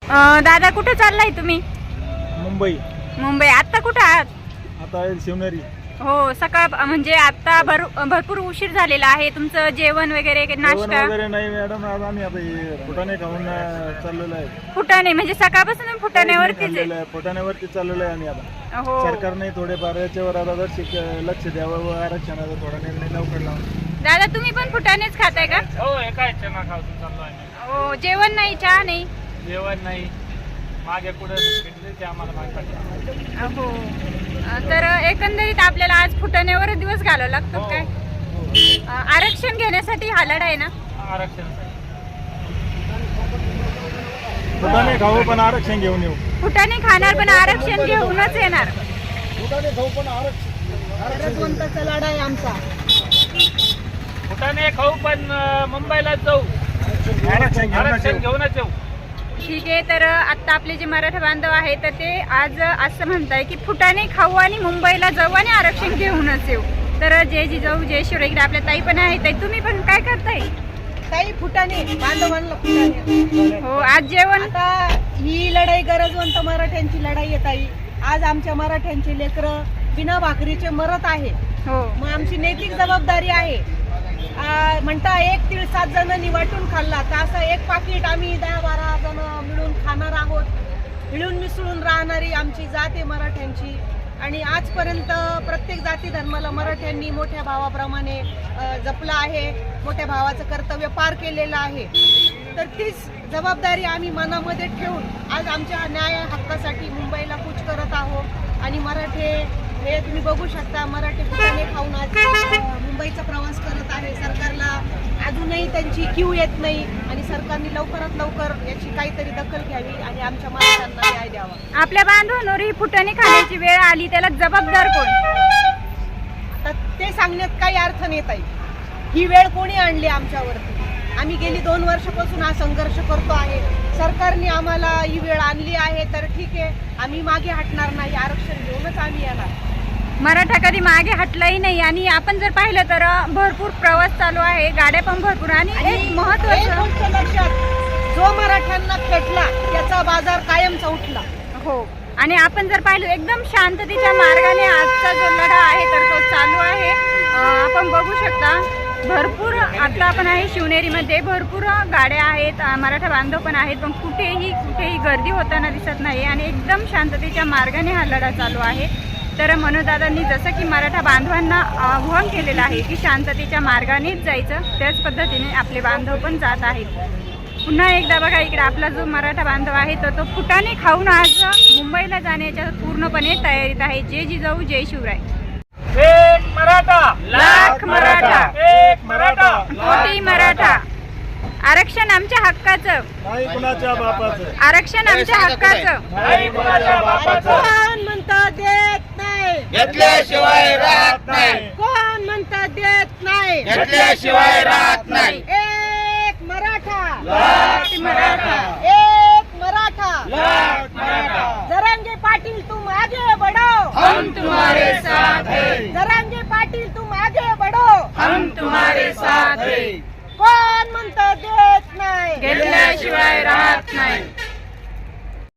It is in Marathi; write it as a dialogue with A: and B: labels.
A: दादा कुठे चाललाय तुम्ही?
B: मुंबई.
A: आता कुठे आहात?
B: आता शिवनेरी.
A: हो, सकाळ म्हणजे आता भरपूर उशीर झालेला आहे. तुमचं जेवण वगैरे नाश्ता
B: वगैरे नाही मॅडम, आज आम्ही आता फुटाणे खाऊन चाललेलो आहे.
A: फुटाणे म्हणजे सकाळपासून फुटाण्यावरतीच आहे.
B: फुटाण्यावरती चाललेलो आहे आम्ही आता.
A: हो,
B: सरकारने थोडेफार याच्यावर आता लक्ष द्यावं व आरक्षणाचा थोडा निर्णय लवकर लावून.
A: दादा तुम्ही पण फुटाणेच खाताय का?
C: हो, एका चना खाऊन चाललो आहे.
A: हो, जेवण नाही, चहा नाही?
C: जेवण नाही, मागे पुढे ते आम्हाला मागे पडलं.
A: हो, तर एकंदरीत आपल्याला आज फुटाण्यावर दिवस घालावा लागतो काय? आरक्षण घेण्यासाठी हा लढा आहे ना?
C: आरक्षण
B: फुटाणे खाऊ पण आरक्षण घेऊन येऊ.
A: फुटाणे खाणार पण आरक्षण घेऊनच येणार.
B: फुटाणे खाऊ पण आरक्षण
D: लढा आहे आमचा.
C: फुटाणे खाऊ पण मुंबईला जाऊ, आरक्षण घेऊनच येऊ.
A: ठीक आहे, तर आता आपले जे मराठा बांधव आहेत तर ते आज असं म्हणताय की फुटाणे खाऊ आणि मुंबईला जाऊ आणि आरक्षण घेऊनच येऊ. तर जय जिजाऊ जय शिवराय, इकडे आपल्या ताई पण आहे. ताई तुम्ही पण काय करताय?
D: ताई फुटाणे बांधवांना फुटाणे.
A: हो, आज जेवण.
D: आता ही लढाई गरजवंत मराठ्यांची लढाई आहे ताई. आज आमच्या मराठ्यांचे लेकरं बिना भाकरीचे मरत आहे.
A: हो,
D: मग आमची नैतिक जबाबदारी आहे. म्हणता एक तीळ 7 जणांनी वाटून खाल्ला, तर असं एक पाकिट आम्ही 10-12 जण मिळून खाणार आहोत. मिळून मिसळून राहणारी आमची जात आहे मराठ्यांची. आणि आजपर्यंत प्रत्येक जाती धर्माला मराठ्यांनी मोठ्या भावाप्रमाणे जपलं आहे, मोठ्या भावाचं कर्तव्य पार केलेलं आहे. तर तीच जबाबदारी आम्ही मनामध्ये ठेवून आज आमच्या न्याय हक्कासाठी मुंबईला कूच करत आहोत. आणि मराठे हे तुम्ही बघू शकता, मराठी फुटाणे खाऊन आज मुंबईचा प्रवास करत आहे. सरकारला अजूनही त्यांची क्यू येत नाही आणि सरकारने लवकरात लवकर याची काहीतरी दखल घ्यावी आणि आमच्या मराठ्यांना न्याय द्यावा.
A: आपल्या बांधवांवर ही फुटाणे खाण्याची वेळ आली, त्याला जबाबदार कोण?
D: आता ते सांगण्यात काही अर्थ नाही ताई. ही वेळ कोणी आणली आमच्यावरती? आम्ही गेली 2 वर्षापासून हा संघर्ष करतो आहे. सरकारने आम्हाला ही वेळ आणली आहे, तर ठीक आहे, आम्ही मागे हटणार नाही. आरक्षण घेऊनच आम्ही येणार.
A: मराठा कधी मागे हटलाही नाही. आणि आपण जर पाहिलं तर भरपूर प्रवास चालू आहे, गाड्या पण भरपूर. आणि एक महत्वाचं
D: गोष्ट लक्षात, जो मराठ्यांना खेटला त्याचा बाजार कायमचा उठला.
A: हो, आणि आपण जर पाहिलं एकदम शांततेच्या मार्गाने आजचा जो लढा आहे तर तो चालू आहे. आपण बघू शकता भरपूर. आता आपण आहे शिवनेरीमध्ये, भरपूर गाड्या आहेत, मराठा बांधव पण आहेत, पण कुठेही गर्दी होताना दिसत नाही. आणि एकदम शांततेच्या मार्गाने हा लढा चालू आहे. तर मनोजदादांनी जसं की मराठा बांधवांना आव्हान केलेलं आहे की शांततेच्या मार्गानेच जायचं, त्याच पद्धतीने आपले बांधव पण जात आहेत. पुन्हा एकदा बघा, इकडे आपला जो मराठा बांधव आहे तर तो फुटाणे खाऊन आज मुंबईला जाण्याच्या पूर्णपणे तयारीत आहे. जय जिजाऊ जय शिवराय.
C: एक मराठा,
A: लाख मराठा,
C: एक मराठा,
A: कोटी मराठा. आरक्षण आमच्या हक्काचं,
B: नाही कुणाच्या बापाचं.
A: आरक्षण आमच्या हक्काचं.
C: नाही कोणाच्या बापाचं.
D: कोण म्हणतं देत नाही,
C: घेतल्याशिवाय राहत नाही,
D: कोण म्हणतं देत नाही,
C: घेतल्याशिवाय राहत नाही.
D: एक मराठा,
C: लाख
A: मराठा,
D: एक मराठा.
C: लाख मराठा.
D: जरांगे पाटील तुम आगे बढ़ो,
C: हम तुम्हारे साथ हैं,
D: जरांगे पाटील तुम आगे बढ़ो.
C: हम तुम्हारे साथ हैं.
D: कोण म्हणतं देत नाही,
A: घेतल्याशिवाय राहत नाही.